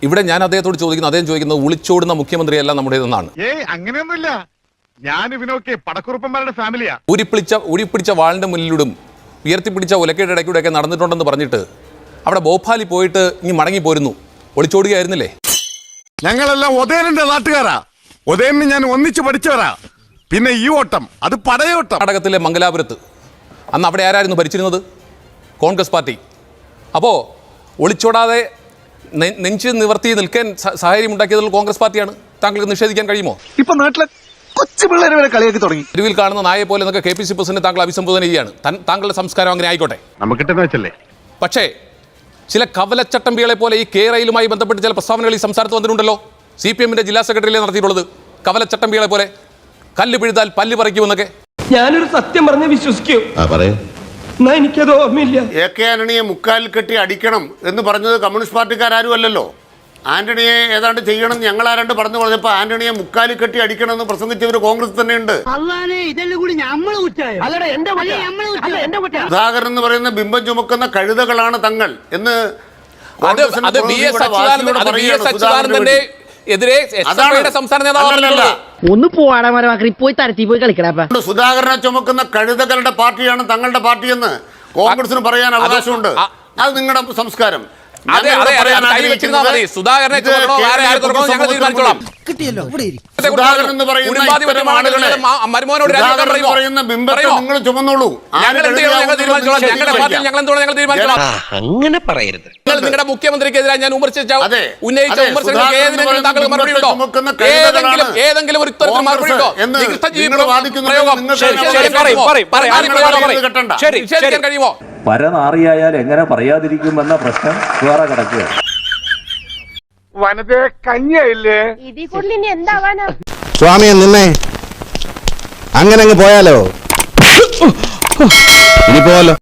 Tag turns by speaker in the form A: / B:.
A: ഇവിടെ ഞാൻ അദ്ദേഹത്തോട് ചോദിക്കുന്നു, അദ്ദേഹം ചോദിക്കുന്നത് ഒളിച്ചോടുന്ന മുഖ്യമന്ത്രിയല്ല നമ്മുടേതെന്നാണ്.
B: അങ്ങനെയൊന്നുമില്ല, ഞാൻ ഇവനൊക്കെ പടക്കുറുപ്പന്മാരുടെ ഫാമിലിയാ.
A: ഉരിപ്പിടിച്ച വാളിന്റെ മുന്നിലൂടും ഉയർത്തിപ്പിടിച്ച ഉലക്കയുടെ ഇടയ്ക്കൂടെയൊക്കെ നടന്നിട്ടുണ്ടെന്ന് പറഞ്ഞിട്ട് അവിടെ ഭോപ്പാലിൽ പോയിട്ട് ഇനി മടങ്ങി പോരുന്നു. ഒളിച്ചോടുകയായിരുന്നില്ലേ?
B: ഞങ്ങളെല്ലാം ഉദയനന്റെ നാട്ടുകാരാ. ഉദയനെ ഞാൻ ഒന്നിച്ച് പഠിച്ചവരാ. പിന്നെ ഈ ഓട്ടം അത് പടയോട്ടം.
A: കർണാടകത്തിലെ മംഗലാപുരത്ത് അന്ന് അവിടെ ആരായിരുന്നു ഭരിച്ചിരുന്നത്? കോൺഗ്രസ് പാർട്ടി. അപ്പോൾ ഒളിച്ചോടാതെ നെഞ്ച് നിവർത്തി നിൽക്കാൻ സാഹചര്യം ഉണ്ടാക്കിയതിൽ കോൺഗ്രസ് പാർട്ടിയാണ്. താങ്കൾക്ക് നിഷേധിക്കാൻ കഴിയുമോ?
C: ഇപ്പൊ നാട്ടിലെ കൊച്ചു പിള്ളേരെ വരെ കളിയാക്കി തുടങ്ങി.
A: തെരുവിൽ കാണുന്ന നായെ പോലെ എന്നൊക്കെ KPC പ്രസിഡന്റ് താങ്കൾ അഭിസംബോധന ചെയ്യുകയാണ്. താങ്കളുടെ സംസ്കാരം അങ്ങനെ ആയിക്കോട്ടെ,
B: നമുക്കിട്ടെന്ന് വെച്ചല്ലേ.
A: പക്ഷേ ചില കവലച്ചട്ടമ്പികളെ പോലെ ഈ കേരളയിലുമായി ബന്ധപ്പെട്ട് ചില പ്രസ്താവനകൾ ഈ സംസ്ഥാനത്ത് വന്നിട്ടുണ്ടല്ലോ. CPM-ന്റെ ജില്ലാ സെക്രട്ടറിയിലെ നടത്തിയിട്ടുള്ളത് കവലച്ചട്ടമ്പികളെ പോലെ കല്ല് പിഴുതാൽ പല്ല് പറിക്കുമെന്നൊക്കെ.
D: ഞാനൊരു സത്യം പറഞ്ഞ് വിശ്വസിക്കൂ, എന്നാ എനിക്കത് ഓർമ്മയില്ല.
E: AK ആന്റണിയെ മുക്കാലിൽ കെട്ടി അടിക്കണം എന്ന് പറഞ്ഞത് കമ്മ്യൂണിസ്റ്റ് പാർട്ടിക്കാരും അല്ലല്ലോ. ആന്റണിയെ ഏതാണ്ട് ചെയ്യണം ഞങ്ങൾ ആരാണ്ട് പറഞ്ഞു പറഞ്ഞപ്പോൾ ആന്റണിയെ മുക്കാലിൽ കെട്ടി അടിക്കണം എന്ന് പ്രസംഗിച്ചവർ കോൺഗ്രസ് തന്നെയുണ്ട്. സുധാകരൻ എന്ന് പറയുന്ന ബിംബം ചുമക്കുന്ന കഴുതകളാണ് തങ്ങൾ എന്ന്
F: ഒന്ന് പോവാടാ പോയി തരത്തി പോയി കളിക്കടാ.
E: സുധാകരനെ ചുമക്കുന്ന കഴുതകളുടെ പാർട്ടിയാണ് തങ്ങളുടെ പാർട്ടിയെന്ന് കോൺഗ്രസിന് പറയാൻ അവകാശമുണ്ട്. അത് നിങ്ങളുടെ സംസ്കാരം. നിങ്ങൾ ചുമന്നോളൂ.
D: അങ്ങനെ പറയരുത്.
A: നിങ്ങളുടെ മുഖ്യമന്ത്രിക്കെതിരെ ഞാൻ ഉന്നയിച്ച ഏതെങ്കിലും ഒരു കഴിയുമോ?
G: പരനാറിയായാൽ എങ്ങനെ പറയാതിരിക്കുമെന്ന പ്രശ്നം വേറെ കിടക്കുക.
B: വനത്തെ കഞ്ഞിയായില്ലേ?
H: ഇതിൽ കൂടുതൽ ഇനി എന്താവാനാ?
C: സ്വാമിയെ നിന്നെ അങ്ങനെ അങ്ങ് പോയാലോ? ഇനി പോവാലോ.